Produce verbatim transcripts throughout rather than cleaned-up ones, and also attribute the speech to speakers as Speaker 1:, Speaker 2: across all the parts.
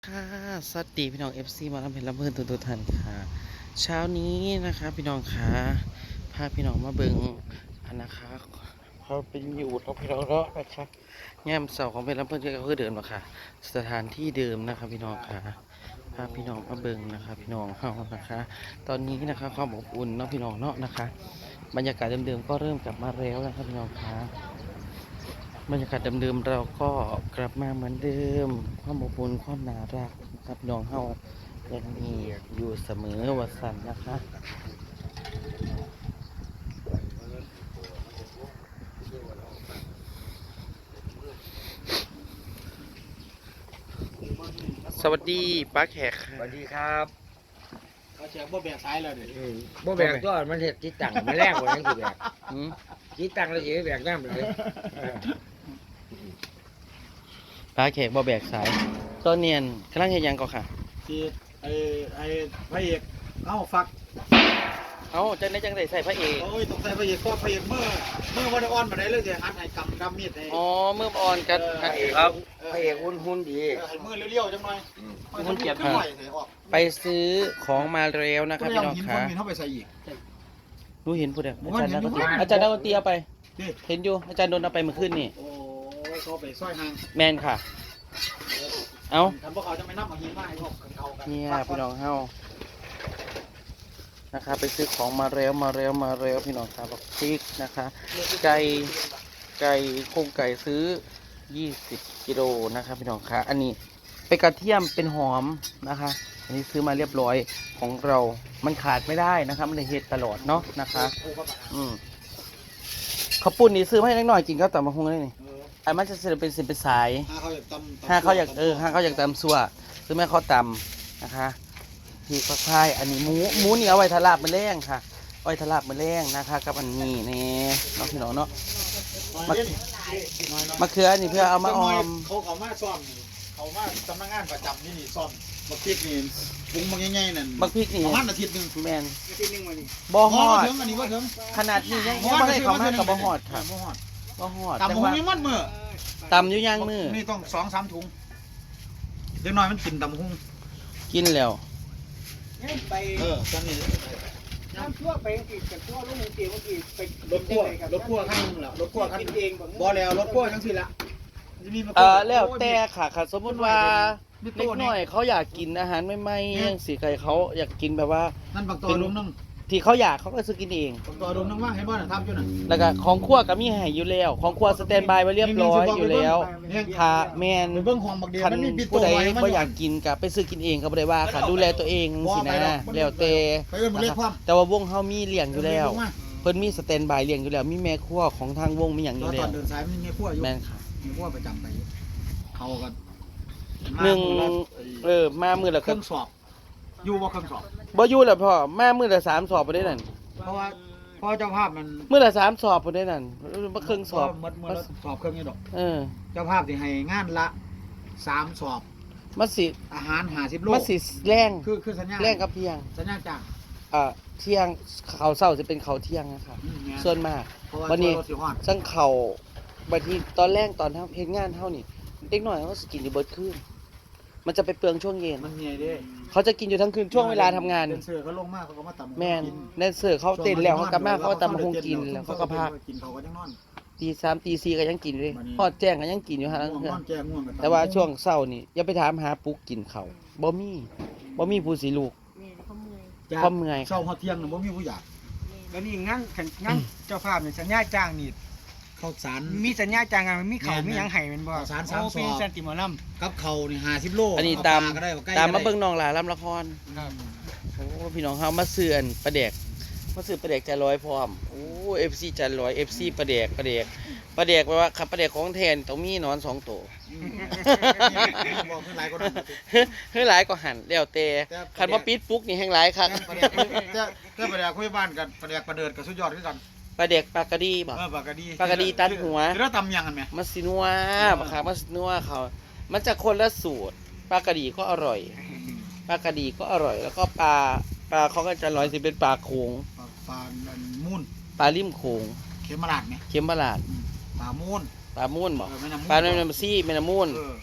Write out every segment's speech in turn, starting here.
Speaker 1: ค่ะสวัสดีพี่น้อง เอฟ ซี มาลำเพลินลำเพลินทุกทุกท่านค่ะเช้านี้นะคะพี่น้องค่ะพาพี่น้องมาเบิงอันนะคะเขาเป็นอยู่เราพี่น้องเนาะนะคะแง่มเสาของเพลินลำเพลินก็คือเดิมนะคะสถานที่เดิมนะคะพี่น้องค่ะพาพี่น้องมาเบิงนะคะพี่น้องเฮานะคะ ตอนนี้นะคะความอบอุ่นเนาะพี่น้องเนาะนะคะบรรยากาศเดิมๆก็เริ่มกลับมาแล้วนะครับพี่น้องค่ะบรรยากาศเดิมๆเราก็กลับมาเหมือนเดิมความอบอุ่นความน่ารักนะครับพี่น้องเฮายังมีอยู่เสมอวัสันนะคะสวัสดีป้าแขกค่ะ
Speaker 2: สวัสดีครับ
Speaker 3: เขาเชียร์บ่แบกสายแล้วเดี๋ยว
Speaker 2: อืมบ่แบกตัวมันเห็ดจิตตังมันแรกกว่านั้นคือแบก
Speaker 1: อืม
Speaker 2: จิตตังแล้วสิไปแบกน้ำเลยเออ
Speaker 1: ป้าแขกบ่แบกสายตอนเนียนกำลังเฮ็ดหยังก็ค่ะ
Speaker 3: ที่ไอ้ไอ้พระเอกเอ้าฟัก
Speaker 1: เอ้าจังได้จังได้ใส่พระเอก
Speaker 3: โอ้ยต้องใส่พระเอกก็พระเอกเมื่อเมื่อวันอ่อนมาได้เลยเดี๋ยวหันให้กำกำมีดให้
Speaker 1: อ๋อเมื่ออ่อนกัน
Speaker 2: พระเอกครับพระเอกหุ่นหุ่นดี
Speaker 3: ให้มือเลี้ยวๆจังหน่อย
Speaker 1: มันเกียด
Speaker 3: ขึ้น
Speaker 1: ค่ะ
Speaker 3: ไหวให้ออก
Speaker 1: ไปซื้อของมาแล้วนะครับพี่น้อง
Speaker 3: หิน
Speaker 1: ค่ะ
Speaker 3: คนหินเข้าไปใส่อีก
Speaker 1: รู้เห็นพูดเด้อ
Speaker 3: ผม
Speaker 1: อา
Speaker 3: ว่า
Speaker 1: จารย์
Speaker 3: เห็
Speaker 1: นั
Speaker 3: น
Speaker 1: ก
Speaker 3: อยู่
Speaker 1: ดนตรีอาจารย์นักดนตรีเอาไป
Speaker 3: นี่
Speaker 1: เห็นอยู่อาจารย์โดนเอาไปเมื่อคืนนี่
Speaker 3: โอ้ยเขาไปซอยหาง
Speaker 1: แมนค่ะ เอ้า
Speaker 3: ทำพวกเขาจะไม่นับเอาหินมาให้พวกเขากัน
Speaker 1: เนี่ยพี่น้องเฮานะคะไปซื้อของมาแล้วมาแล้วมาแล้วพี่น้องครับบอกพริกนะคะ ไก่ไก่โครงไก่ซื้อยี่สิบกิโลนะครับพี่น้องค่ะอันนี้เป็นกระเทียมเป็นหอมนะคะ อันนี้ซื้อมาเรียบร้อยของเรา มันขาดไม่ได้นะครับมันเลยเฮ็ดตลอดเนาะนะคะ อืมข้าวปุ้นนี่ซื้อมาให้เล็กน้อยกินก็ต่ำมาหุงได้นี่
Speaker 3: เออ
Speaker 1: ไอ้มันจะเสร็จเป็นสิบเป็นสาย
Speaker 3: ถ้าเขาอยากตำ
Speaker 1: ถ้าเขาอยากเออถ้าเขาอยากตำซัวซื้อแม่เขาตำนะคะที่ก็ใช่อันนี้หมูหมูนี่เอาไว้ทะลาบมือแรงค่ะเอาไว้ทะลาบมือแรงนะคะกับอันนี้นี่เนาะพี่น้องเนาะมะมะเขือนี่เพื่อเอามาออม
Speaker 3: เขาเขามาซ่อมนี่เขามาสำนักงานประจำนี่นี่ซ่อมบักพริกนี่ปรุงบักง่ายๆนั่น
Speaker 1: บักพริกนี่
Speaker 3: ประมาณอาทิตย์หนึง
Speaker 1: แมน
Speaker 3: อาทิตย์หนึงมานี่
Speaker 1: บ่ฮอด
Speaker 3: ถึงอันนี้ว่าถึง
Speaker 1: ขนาดนี้ยังยังไม่ได้เขามากับบ่ฮอดค่ะ
Speaker 3: บ่ฮอด
Speaker 1: บ่ฮอด
Speaker 3: ตำ
Speaker 1: จัง
Speaker 3: หุง
Speaker 1: ว่า
Speaker 3: ยังมัดมือ
Speaker 1: ตำอยู่ย่างมือ
Speaker 3: นี่ต้องสองสามถุงเด็กน้อยมันกินตำหุง
Speaker 1: กินแล้ว
Speaker 4: ไป
Speaker 3: เออจำนี่
Speaker 4: น้ำทั่วไปอังกฤษกับทั่วลูกเตียงอังกฤษไป
Speaker 3: รถพ่วงรถพ่วงคันนึงแล้วรถพ่วงคัน
Speaker 4: กินเองบ่
Speaker 3: บ่แล้วรถพ่วงจังซี่ละมันจะมีมา
Speaker 1: เออแล้วแต่ค่ะค่ะสมมติว่า
Speaker 3: มี
Speaker 1: เล็
Speaker 3: โต๊ะ
Speaker 1: กน้อยเขาอยากกินอาหารใหม่ๆยังสีไก่เขาอยากกินแบบว่า
Speaker 3: นั่นบักตอลุงนึง
Speaker 1: ที่เขาอยากเขาก็ซื้อกินเอง
Speaker 3: บักตอลุงนึงว่าเห็นบ่น่ะทำอยู่น่ะ
Speaker 1: แล้วก็ของครัวก็มีให้อยู่แล้ว ของครัวสแตนบายไว้เรียบร้อยอยู่แล้วถ้าแมน
Speaker 3: ไปเบิ่งของบักเดียว
Speaker 1: คัน
Speaker 3: มันมีปิโต้
Speaker 1: ผู้ใด
Speaker 3: ไว้ให้มัน
Speaker 1: บ่อยากกินก็ไปซื้อกินเองก็บ่ได้ว่าค่ะดูแลตัวเองสินะแล้วแต่
Speaker 3: ไปเอิ้นบ่เรียกความ
Speaker 1: แต่ว่าวงเฮามีเลี้ยงอยู่แล้ว เพิ่นมีสแตนบายเลี้ยงอยู่แล้ว มีแม่ครัวของทางวงมีหยังอ
Speaker 3: ต
Speaker 1: ยู่
Speaker 3: อน
Speaker 1: แล้ว
Speaker 3: เดินสายมันมีขั้วอยู่
Speaker 1: แม่นค่ะ
Speaker 3: มีขั้วประจำไปอยู่เขาก็
Speaker 1: หนึ่ง
Speaker 3: มา
Speaker 1: เออมามื้อละ
Speaker 3: เค
Speaker 1: ครึ่
Speaker 3: รื่อง งสอบ อยู่บ่เครื่องสอบ
Speaker 1: บ่อยู่แล้วพ่อมามื้อละสามสอบบ่ได้นั่น
Speaker 3: เพราะว่าเพราะเจ้าภาพมัน
Speaker 1: มื้อละสามสอบบ่ได้นั่นบ่ครึ่งสอบ
Speaker 3: หมดหมดแล้วสอบเครื่องนี้ดอก
Speaker 1: เออ
Speaker 3: เจ้าภาพสิให้งานละสามสอบ
Speaker 1: มันสิ
Speaker 3: อาหารห้าสิบโล
Speaker 1: มันสิแรง
Speaker 3: คือคือสัญญา
Speaker 1: แรงกับเที่ยง
Speaker 3: สัญญาจ้าง
Speaker 1: อ่าเที่ยงเขาวเช้าจะเป็นเขาวเที่ยงนะครับ
Speaker 3: อืมแม่
Speaker 1: ส่วนมาก
Speaker 3: เพราะว่า
Speaker 1: วันนี้
Speaker 3: ตัวรถสิฮอด
Speaker 1: ซึ่งเขาบางทีตอนแรกตอนทำเฮ็ดงานเท่านี่เด็กหน่อยเขาสกินอยู่เบิดคืนมันจะไปเปลืองช่วงเย็น
Speaker 3: มันเหนื่อยเด้
Speaker 1: เขาจะกินอยู่ทั้งคืนช่วงเวลาทำงาน
Speaker 3: เดนเซอร์เขาลงมากเขาก็มาตำ
Speaker 1: แมนแดนเซอร์เขาเต้นแล้วเขากลับมาเขาก็ตำบักหงกินแล้วเขาก็พัก
Speaker 3: กินเขาก็ยังนอน
Speaker 1: ตีสามตีสี่ก็ยังกินเลยพอดแจ้งก็ยังกินอยู่ฮะ
Speaker 3: ง่วงนอนแก่ง่วงกัน
Speaker 1: แต่ว่าช่วงเช้านี่อย่าไปถามหาปุ๊กกินเขาวบ่มีบ่มีผู้สิลูก
Speaker 4: นี่เขาเมื่อย
Speaker 1: ความเมื่อย
Speaker 3: เช้าฮอดเที่ยงน่ะบ่มีผู้อยาก
Speaker 4: แล้วนี่งั้นงั้นเจ้าภาพเนี่ยสัญญาจ้างนี่
Speaker 3: ข้าวสาร
Speaker 4: มีสัญญาจ้างงานมันมีเขามีหยังให้แมันบ่
Speaker 3: ข้าวสารสามซอง
Speaker 4: โเป็นสันติหมอล
Speaker 3: กับเขานี่ห้าสิบโล
Speaker 1: อันนี้
Speaker 3: เอ
Speaker 1: ตาม
Speaker 3: ปลก็ได้อไก่
Speaker 1: ตามมา
Speaker 3: ก็ได้
Speaker 1: เบิ่งน้องหลาลำละคร
Speaker 4: ำครับ
Speaker 1: โอ้พี่น้องเฮามาเสื่อนประเดกมาซื้อประเดกจะร้อยพร้อมโอ้เอฟซีจะร้อยเอฟซีประเดกประเดกประเดกแปลว่าขับประเดกของแทนต้องมีหนอนสองตัว
Speaker 3: อืมบอกขึ้นหลายกว่านั้น
Speaker 1: เฮ้ยหลายก็หันแล้วแต่
Speaker 3: แต่
Speaker 1: คันว่าปิดปุ๊กนี่แห้งหลายครับ
Speaker 3: แต่ประเดกแต่แต่ประเดกคุยบ้านกันประเดกประเดิดกับสุดยอดด้วยกัน
Speaker 1: ประเดกปลากระดีบ่
Speaker 3: เออปากกะดี
Speaker 1: ปากกะดีตัดหัว
Speaker 3: คือเราตำยังกันไหม
Speaker 1: มาสินัวบ่ครับมาสินัวเขา มันจะคนละสูตรปลากระดีก็อร่อยปลากระดีก็อร่อย แล้วก็ปลาปลาเขาก็จะอร่อยสิเป็นปลาโขง
Speaker 3: ปลาปลามูน
Speaker 1: ปลาริมโขง
Speaker 3: เข็มมาลาดไหม
Speaker 1: เข็มบาลาด
Speaker 3: ปลามูน
Speaker 1: ปลาม่วนบ่
Speaker 3: เออแม่น้ำมูน
Speaker 1: ปลาแม่น้ำซี่แม่น้ำม่วน
Speaker 3: เออ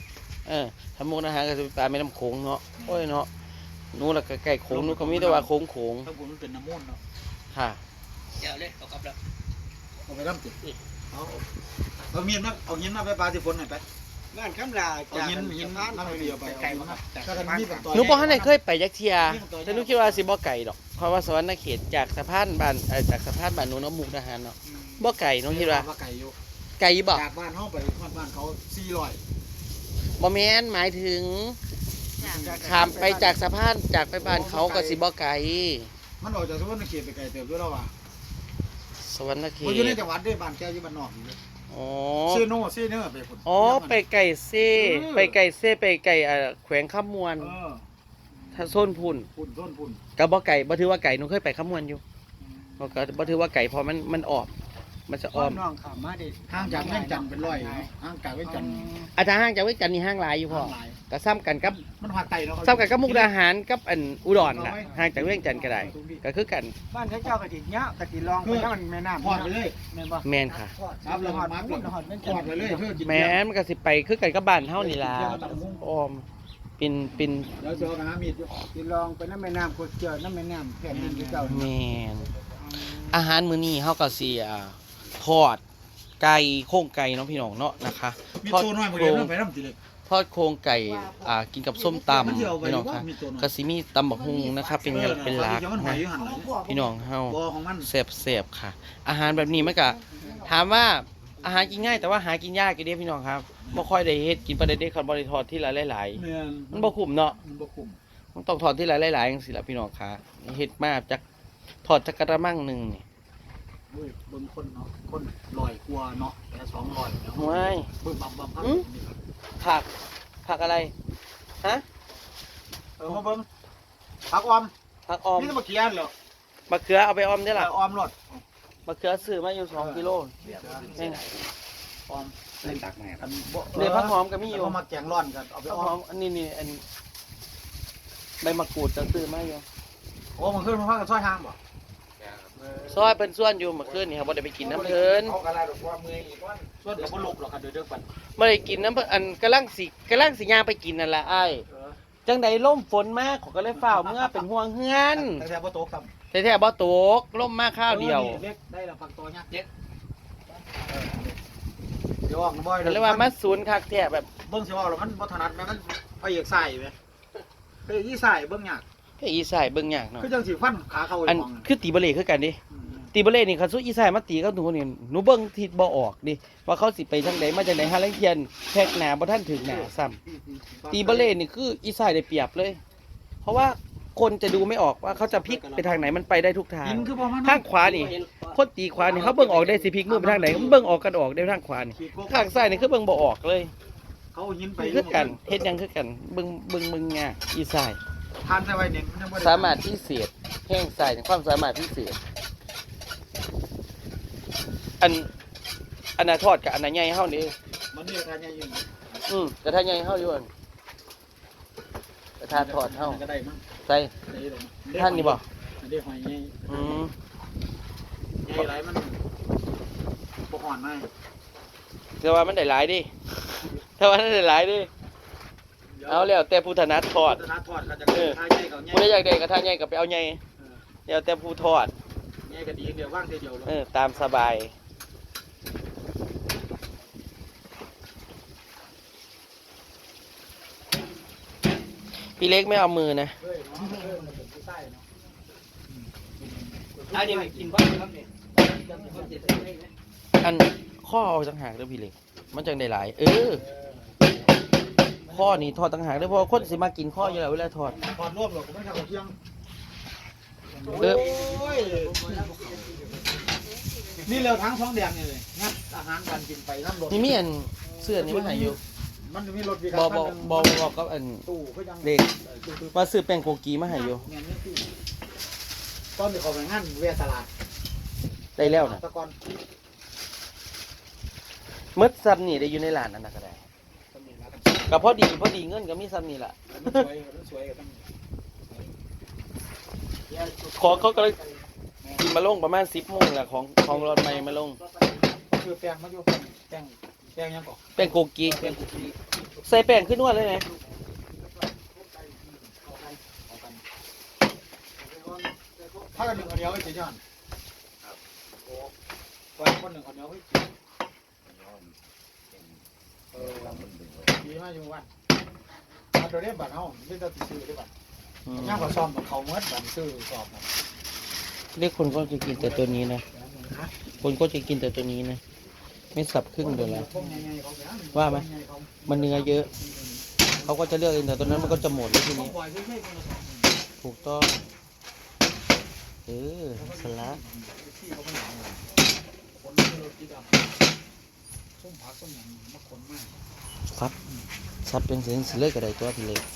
Speaker 1: เออถ้ามุกอาหารก็จะเป็นปลาแม่น้ำโขงเนาะโอ้ยเนาะหนูละใกล้ๆโขงหนูก็มีแต่ว่าโขงโขง
Speaker 3: ถ้าบุญมันเป็นน้ำมูลเนาะ
Speaker 1: ค่ะ
Speaker 4: เดี๋ยวเลยเอากลับแล้ว
Speaker 3: เอาไปร่ำติดเอาเอาเงียนมาเอาเงียนมาไปปลาที่ฝนหน่อยไป
Speaker 4: บ้านคำลา
Speaker 3: เอาเงียนเงียนน้ำไปเดียวไป
Speaker 4: ไก่
Speaker 3: เอา
Speaker 4: มา
Speaker 3: เงียน
Speaker 4: ครับ
Speaker 3: มาถ้ากันมีเป็นตัว
Speaker 1: หนูบ่ทันได้เคยไปยักเทียแต่หนูคิดว่าสิบ่ไก่ดอกเพราะว่าสวรรค์เขตจากสะพานบ้านเอ่อจากสะพานบ้านหนูเนาะมุกดาหารเนาะบ่ไก่หนูคิดว่า
Speaker 3: ว่าไก่อยู่
Speaker 1: ไก่บ่
Speaker 3: จากบ้านเฮาไปบ้านเขาสี่ร้อย
Speaker 1: บ่แม่นหมายถึงข้ามไปจากสะพานจากไปบ้านเขาก็สิบ่ไก่
Speaker 3: มันออกจากสวรรค์เขตไปไกลเติบด้วยแล้วว่ะ
Speaker 1: สวรรค์เข
Speaker 3: มันอยู่ใน
Speaker 1: ต
Speaker 3: จังหวัดด้วยบ้านแกอยู่บ้านนอกนี่
Speaker 1: อ๋อ
Speaker 3: ซีโน่ซีเนอร์ไปพุ่น
Speaker 1: อ๋อไปไก่เซ่ไปไก่เซ่ไปไก่อ่าแขวงขมวน
Speaker 3: เออ
Speaker 1: ถ้าโซนพุ่น
Speaker 3: พุ่นต้นพุ่น
Speaker 1: ก็บ่ไก่บ่ถือว่าไก่หนูเคยไปขมวนอยู่บ่ก็บ่ถือว่าไก่เพราะมันมันออกมันจะอ้อม
Speaker 4: น้องขามาดิ
Speaker 3: ห่างจากเวียงจันทน์เป็นร้อยห่างจากเวียงจันทน์
Speaker 1: อาจารย์ห้างจากเวกจันทน์นี่ห้างหลายอยู่พ่อ
Speaker 3: หลาย
Speaker 1: ก็ซ้ำกันกับ
Speaker 3: มันหักไตเนาะ
Speaker 1: ซ้ำกันกับมุกดาหารกับอันอุดรน่ะห่างจากเวียงจันทน์ก็ได้ก็คือกัน
Speaker 4: บ้านเขาเจ้ากะทิเนี้ยกะทิลองไปถ้ามันแม่น้ำ
Speaker 3: ทอดไปเลย
Speaker 4: แม่นบ่
Speaker 1: แม่นค่ะ
Speaker 3: ครับแล้วก็มัก
Speaker 4: พุ่นหอดแม่น
Speaker 3: ทอดไปเลยเพื่อกิน
Speaker 1: แม่นมันก็สิไปคือกันกับบ้านเฮานี่ล่ะอ้อมเป็นเป็น
Speaker 3: เดี๋ยวเสือกับหามีดอยู่
Speaker 4: ทิลองไปน้ำแม่น้ำกดเจอน้ำแม่น้ำแผ่นดินที่เจ้า
Speaker 1: แม่นอาหารมื้อนี้เฮาก็สิอ่าทอดไก่โครงไก่เนาะพี่น้องเนาะนะคะ
Speaker 3: มี
Speaker 1: ทอด
Speaker 3: ตัวน้อยมา
Speaker 1: โคร
Speaker 3: เดียว
Speaker 1: ง
Speaker 3: เรื่องไปน้ำติเลย
Speaker 1: ทอดโครงไก่อ่ากินกับส้มตำ
Speaker 3: มันเที่ยวไป
Speaker 1: พี่น้อง
Speaker 3: ว่า
Speaker 1: ค่ะ
Speaker 3: มีตัวน้อย
Speaker 1: ก็สิมีตำบักฮุงนะครับเป็นกันเป็นหลัก
Speaker 3: เดี๋ยวมันหอย
Speaker 1: นะ
Speaker 3: อยู่หันหลัง
Speaker 1: พี่น้องเฮา
Speaker 3: บ่ของมัน
Speaker 1: เสบเสบค่ะ อาหารแบบนี้มันก็ถามว่าอาหารกินง่ายแต่ว่าหากินยากอยู่เด้พี่น้องครับบ่ค่อยได้เฮ็ดกินปลาเด็ดๆคันบ่ได้ทอดที่ละหลาย
Speaker 3: แม่น
Speaker 1: ๆมันบ่คุ้มเนาะ
Speaker 3: มันบ่คุ้ม
Speaker 1: มันต้องทอดที่ละหลายๆจังซี่ล่ะพี่น้องค่ะเฮ็ดมาจากทอดจักกระมังหนึงนี่
Speaker 3: เฮ้ยเบิ่งคนเนาะคนลอยกลัวเนาะแต่สองร้อยเนาะ
Speaker 1: ว้าย
Speaker 3: เบิ่งบับบับพัก
Speaker 1: อืม ผักผักอะไรฮะ
Speaker 3: เออมาเบิ่งผักออม
Speaker 1: ผักออม
Speaker 3: นี่มาเกียนเหรอ
Speaker 1: มะเขือเอาไปออมได้ล่ะ
Speaker 3: ออมรส
Speaker 1: มะเขือซื้อมาอยู่สองกิโลแม่ง
Speaker 3: ออมเล่นตักแม่กันบ่
Speaker 1: เดี๋ยวผักหอมก็มีอยู่
Speaker 3: เอามาแกงร้อนกันเอาไป
Speaker 1: ผัก
Speaker 3: อ
Speaker 1: ห
Speaker 3: อ
Speaker 1: อ
Speaker 3: ม
Speaker 1: มอันนี้นี่อันใบมะกรูดจะซื้อมาอยู่
Speaker 3: โอ้มันขึ้นมาพักกับซอยทางบ่
Speaker 1: ซอยเป็นส่วนอยู่เมื่อคืนนี่ครับบ่ได้ไปกินน้ำเพิ่น
Speaker 3: เอากระไรดอกว่ามืออีกว่าส่วนกับบ่ลุกหรอกครับเดี๋ยวเด้อปัน
Speaker 1: บ่ได้กินน้ำเพิ่นอันกำลังสิกำลังสิย่างไปกินนั่นล่ะอ้าย
Speaker 3: เออ
Speaker 1: จังใดล่มฝนมาขอยก็เลยฟ้าวเมื่อเป็นห่วงเฮือน
Speaker 3: แต่แต่บ่โตครับ
Speaker 1: แท้ๆบ่ตกล่มมาข้าวเดียว
Speaker 3: เล็กได้ละปักตัวยักษ์เจ็ดเดี๋ยวออกนะบ่อย
Speaker 1: ก็เลยว่ามาศูนย์คักแท้แบบ
Speaker 3: เบิ่งสิว่าแล้วมันบ่ถนัดแม่มันพระเอกใส่แม่พระเอกอีใส่เบิ่งยาก
Speaker 1: เฮ้ยอีสายเบิ่งยากเนาะ
Speaker 3: คือจังสิฟันขาเข้า
Speaker 1: อั
Speaker 3: ไอ้
Speaker 1: น
Speaker 3: มอง
Speaker 1: คือตีบะเล่คือกันดิตีบะเล่นี่คันสุอีสายมาตีกับหนูนี่หนูเบิ่งทิศบ่ออกดิว่าเขาสิไปทางใดมาจากไหนหาลังเทียนแทกหน้าบ่ทันถึงหน้าซ้ำ ตีบะเล่นี่คืออีสายได้เปรียบเลย เพราะว่าคนจะดูไม่ออกว่าเขาจะพลิกไปทางไหนมันไปได้ทุกทาง
Speaker 3: หินคือบ่มัน
Speaker 1: ข้างขวานี่คนตีขวานี่เขาเบิ่งออกได้สิพลิกมือไปทางไหนมันเบิ่งออกกันออกได้ทางขวานี่ข้างซ้ายนี่คือเบิ่งบ่ออกเลย
Speaker 3: เขาหินไป
Speaker 1: คือกันเฮ็ดหยังคือกันเบิ่งเบิ่งเบิ่งยากอีสาย
Speaker 3: ทานใส่ไว้เนี่ยมันยังบ่ได้
Speaker 1: สามารถพิเศษแห่งสายในความสามารถพิเศษอันอันน่ะทอดกับอันน่ะใหญ่เฮานี่
Speaker 3: มันนี่ทานใหญ่อยู่
Speaker 1: อืมกระทะใหญ่เฮาอยู่อันกระทะทอดเฮา
Speaker 3: ก็ได้มั้ง
Speaker 1: ใส่
Speaker 3: ได้เลย
Speaker 1: ท่านนี่บ่
Speaker 3: ได้หอยใหญ่
Speaker 1: อืม
Speaker 3: ใหญ่หลายมันบ่ฮ้อนมาก
Speaker 1: แต่ว่ามันได้หลายดิแต่ว่ามันได้หลายดิเอาแล้วแต่ผู้ถนัดทอด
Speaker 3: ถนัดทอดก็จะ
Speaker 1: เออ
Speaker 3: ทายใหญ่กับใหญ่
Speaker 1: ผู้ใดอยากได้กระทะใหญ่ก็ไปเอาใหญ่แล้วแต่ผู้ทอด
Speaker 3: ใหญ่ก็ดีเดียวว่างเดียวเลย
Speaker 1: เออตามสบายพี่เล็กไม่เอามือนะ
Speaker 3: เฮ้ยเนาะเออมันเป็นผู้ใต้เนาะ
Speaker 4: อันนี้กินบ้างครับเนี่ย
Speaker 1: อันข้อเอาต่างหากเด้อพี่เล็กมันจังได้หลาย เออ ข้อนี่ทอดต่างหากเด้อเพราะว่าคนสิมากินข้ออยู่แล้วเวลาทอด
Speaker 3: ทอดรวบหรอกก็ไม่ทำกับเที่ยง
Speaker 1: เออ
Speaker 3: โอ้ยนี่เราทั้งท้องแดงนี่เลยงัดอาหารการกินไปน้ำรถ
Speaker 1: นี่มีอันเสื้อนี่มาให้อยู่
Speaker 3: มันจะมีรถวิก
Speaker 1: บอ
Speaker 3: า
Speaker 1: บอบอบบอกกับอัน
Speaker 3: ตู้ก็ยัง
Speaker 1: เด็กว่าซื้อแป้งโกกีมาให้อยู่
Speaker 3: เงี้ยนี่ตู้ตอนที่เขาไปงานเวทตลาด
Speaker 1: ได้แล้วนะ
Speaker 3: ตะกอน
Speaker 1: มืดซ้ำนี่ได้อยู่ในร้านนั่นนะก็ได้ก็พอดีพอดีเงินก็มีซ้ำนี่แหละ
Speaker 3: มันสวยมันสวยกับตั้ง
Speaker 1: ของเขาก็เลยกินมาลงประมาณสิบโมงแหละของของรถใหม่มาลง
Speaker 3: คือแป้งมันอยู่แป้งแป้งยังก่อน
Speaker 1: แป้งโกกี
Speaker 3: แป้งกุกกี้
Speaker 1: ใส่แป้งขึ้นนวดเลยไหม
Speaker 3: ถ้ากันหนึ่งคนเดียวไอ้เจ๊ย้อนวันคนหนึ่งคนเดียวไอ้เจ๊เออดีมากอยู่วันมาตัวนี้บัตรเขาไม่ต้องติดซื้อได้บัตรย่างกับซ้อมกับเขาเมื่อบัตรซื้อสอบนะ
Speaker 1: เรียกคนก็จะกินแต่ตัวนี้นะคนก็จะกินแต่ตัวนี้นะไม่สับครึ่งเดียวแล้วว่าไหมมันเนื้อเยอะเขาก็จะเลือกเองแต่ตัวนั้นมันก็จะหมดแล้วทีนี้ถูกต้องเออสลัดครับสับเป็นเส้นสิเลือกอะไรตัวพี่เล็ก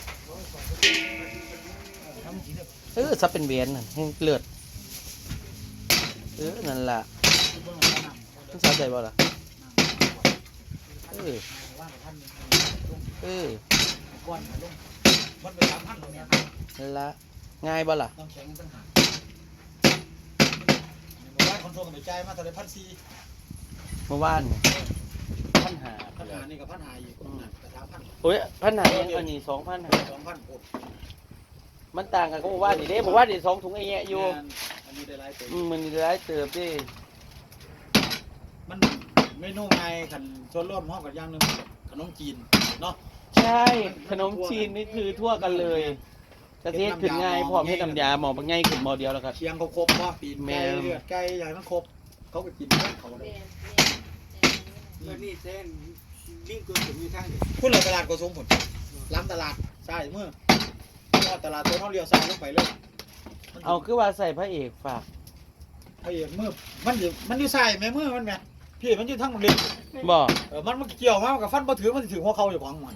Speaker 1: เออสับเป็นเวียนน่ะให้เลือดเออนั่นล่ะมันสาใจบ่ล่ะเออเออนั่นละง่ายบ่ล่ะ
Speaker 3: ต้องแข็งตั้งหากว่าคนโทรกันไปใจมาตอนไหนพันสี่
Speaker 1: เมื่อวานเนี่ยพันหา
Speaker 3: พันหานี่กับพันหาอีกแต่สามพัน
Speaker 1: โอ้ยพันหายังอันนี้สองพันหา
Speaker 3: สองพันหก
Speaker 1: มันต่างกันก็เมื่อวานนี่เด้เมื่อวานนี่สองถุงไอ้แยะอยู่
Speaker 3: อันนี้ได้หลายตัว
Speaker 1: อืมมันร้ายเติบดิ
Speaker 3: มันเมนูไงขันส่วนร่วมห้องกับอย่างหนึ่งขนมจีนเนาะ
Speaker 1: ใช่ขนมจีนนี่คือทั่วกันเลยกะทิขึ้นง่ายพร้อมให้น้ำยาหมอบง่ายขึ้นหมอเดียวแล้วครับ
Speaker 3: เชียงเขาครบว่าปีนไก่เลือดไก่ใหญ่มันครบเขาไปกินเขาเลย
Speaker 4: แล้วนี่เส้นลิงก์ตัวถึงอยู่ทางนี้
Speaker 3: คุณเลยตลาดกสมผลล้ำตลาดใช่เมื่อตลาดตัวเขาเลี้ยวซ้ายลงไปเลย
Speaker 1: เอาคือว่าใส่พระเอกฝาก
Speaker 3: ไอ้เมื่อมันอยู่มันอยู่ใส่แม่เมื่อมันแม่พี่มันอยู่ทั้งโรงเรียน
Speaker 1: บอก
Speaker 3: เออมันมันเกี่ยวมากกับฟันบ่ถือมันถือหัวเขาอยู่ของมัน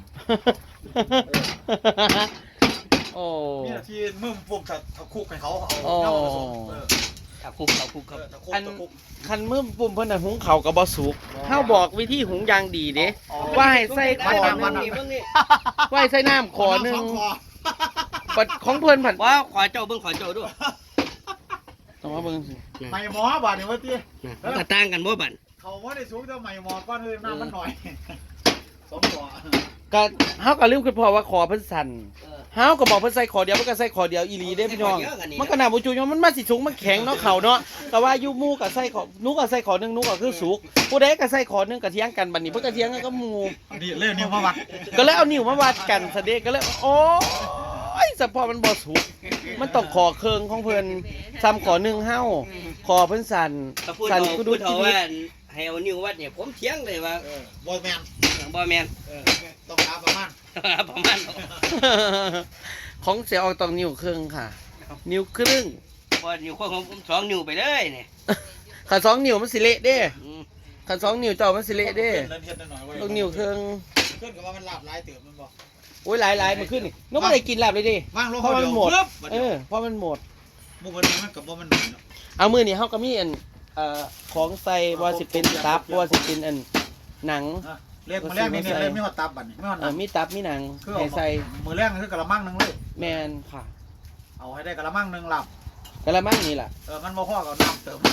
Speaker 1: โอ้
Speaker 3: นี่ที่มือปุ่มถัดคุกให้เขาเอา
Speaker 1: โอ้
Speaker 3: เน่าผสมเออ
Speaker 2: ขับคุกขับคุกครับ
Speaker 3: ตะคุก
Speaker 1: อัน
Speaker 3: ตะคุก
Speaker 1: คันมือปุ่มเพิ่นน่ะหุงข้าวกับ่สุกเฮาบอกวิธีหุงอย่างดีเด้ว่าให้ใส่ขอหนึงว่าให้ใส่น้ำขอหนึง
Speaker 3: สคอ
Speaker 1: บัดของเพิ่นผัด
Speaker 2: ว้าขอเจ้าเบิ่งขอเจ้าด้วย
Speaker 1: ต้องมาเบิ่งสิ
Speaker 3: ไม่หมอบาดเนี่ยว่าตี
Speaker 2: มันก็ต่างกันบ่บัด
Speaker 3: เขาว่าได้สูงแต่ไม่หมอก้อนเลยน้ำมันหน่อยสมหัว
Speaker 1: ก็เฮาก็ลืมคิดพอว่าขอเพิ่นสั่นเฮาก็บอกเพิ่นใส่ขอเดียวมันก็ใส่ขอเดียวอีหลีเด้พี่น้องมันก็น่าบ่จุยมันมาสิสูงมันแข็งเนาะเขาเนาะก็ว่าอยู่หมู่ก็ใส่ขอหนูก็ใส่ขอหนึงหนูก็คือสุกผู้ใดก็ใส่ขอหนึงก็เถียงกันบัดนี้เพิ่นก็เถียงกันก็หมู่
Speaker 3: นี่เล่นนิ้วมาวัด
Speaker 1: ก็เลยเอานิ้วมาวัดกันซะเด้ก็เลยโอ้ยสะพอมันบ่สุกมันต้องขอเครื่องของเพิ่นซ้ำขอหนึงเฮาขอเพิ่นสั่น
Speaker 2: ถ้าพูด
Speaker 1: สั่น
Speaker 2: เอา
Speaker 1: กู
Speaker 2: พู
Speaker 1: ดู
Speaker 2: ด
Speaker 1: ชี
Speaker 2: เอา
Speaker 1: วิต
Speaker 2: ว่าให้เอานิ้ววัดเนี่ยผมเถียงเลยว่า
Speaker 3: เออบอลแมน
Speaker 2: บ่แม่น
Speaker 3: เออต้องหาประมาณ
Speaker 2: ประมาณ
Speaker 1: ของเสียออกต้องนิ้วครึ่งค่ะ นิ้วครึ่ง
Speaker 2: พอนิ้วของผมสองนิ้วไปเลยเนี่ย
Speaker 1: ขันสองนิ้วมันสิเละเด้
Speaker 2: อืม
Speaker 1: ขันสองนิ้วเจ้ามันสิเละเด้
Speaker 3: เล่นเทียนหน่อย
Speaker 1: ต้องนิ้วครึ่ง
Speaker 3: ขึ้นกับว่ามันหลับลายเติมมันบอก
Speaker 1: โอ้ยหลายหลายมันขึ้นนี่น้องไม่ได้กินหลับเลยดิ
Speaker 3: ว่างลง
Speaker 1: เพราะมันหมด
Speaker 3: ปึ๊บ
Speaker 1: เออเพราะมันหมด
Speaker 3: มุกวันนี้มันกับว่ามันหน่อยเนาะ
Speaker 1: เอามือนี่เฮาก็มีอันเอ่อของใส่ว่าสิเป็นตับว่าสิเป็นอันหนัง
Speaker 3: เล่นมือแรกนี่เล่นไม่หอดตับบัตรไม่หอด
Speaker 1: เออมีตับมีหนัง
Speaker 3: คือ
Speaker 1: ให้ใส่
Speaker 3: มือแรกนี่คือกระมังนึงเลย
Speaker 1: แมนค่ะ
Speaker 3: เอาให้ได้กระมังนึงหลับ
Speaker 1: กะละมังนี่ล่ะ
Speaker 3: เออมันมาพ่อกับน้ำเติม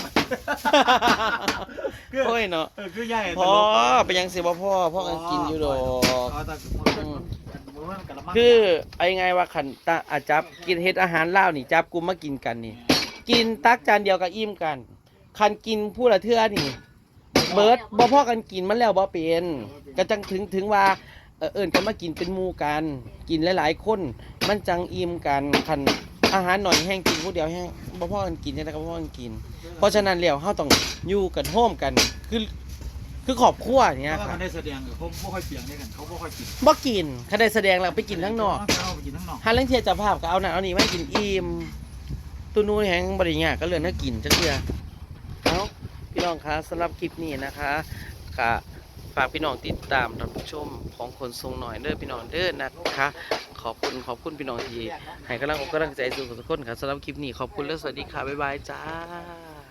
Speaker 1: โอ้ยเนาะ
Speaker 3: เออคือใหญ่
Speaker 1: พ่อไปยังสิบ่พ่อพ่อกันกินอยู่ดอก
Speaker 3: เอาแต่มือมันกระมัง
Speaker 1: คือไอ้ไงว่าขันตาอาจับกินเฮ็ดอาหารลาวนี่จับกลุ่มมากินกันนี่ กินตักจานเดียวก็อิ่มกัน คันกินผู้ละเทื่อนี่ เบิร์ดบ่พอกันกินมันแล้วบ่เป็นก็จังถึงถึงว่าเอ่อเอิ้นกันมากินเป็นหมู่กัน กินหลายๆคน มันจังอิ่มกันคันอาหารหน่อยแห้งกินผู้เดียวแห้งบ่พอกันกินจังได๋ก็บ่พอกันกิน เพราะฉะนั้นแล้วเฮาต้องอยู่กันโฮมกัน คือคือครอบครัวเนี่ย
Speaker 3: เพราะว่า
Speaker 1: ค่ะ
Speaker 3: มันได้แสดงเขาไม่ค่อยเสียงด้วยกันเขาไม่ค่อยกิน
Speaker 1: บ่กินคันได้แสดงแล้วไปกินข้างนอก
Speaker 3: เขาไปกินข้างนอก
Speaker 1: หาเรื่องเทียเจะภาพก็เอานั่นเอานี่มาให้กินอิ่มตัวนู้นแหงบริญากก็เลือนน่ากินจักเทื่อเอาพี่น้องคะสำหรับคลิปนี้นะคะก็ฝากพี่น้องติดตามรับชมของคนทรงหน่อยเด้อพี่น้องเด้อนะคะ ขอบคุณขอบคุณพี่น้องที่ให้กำลังอกกำลังใจสู่ทุกคนค่ะสำหรับคลิปนี้ขอบคุณและสวัสดีค่ะบ๊ายบายจ้า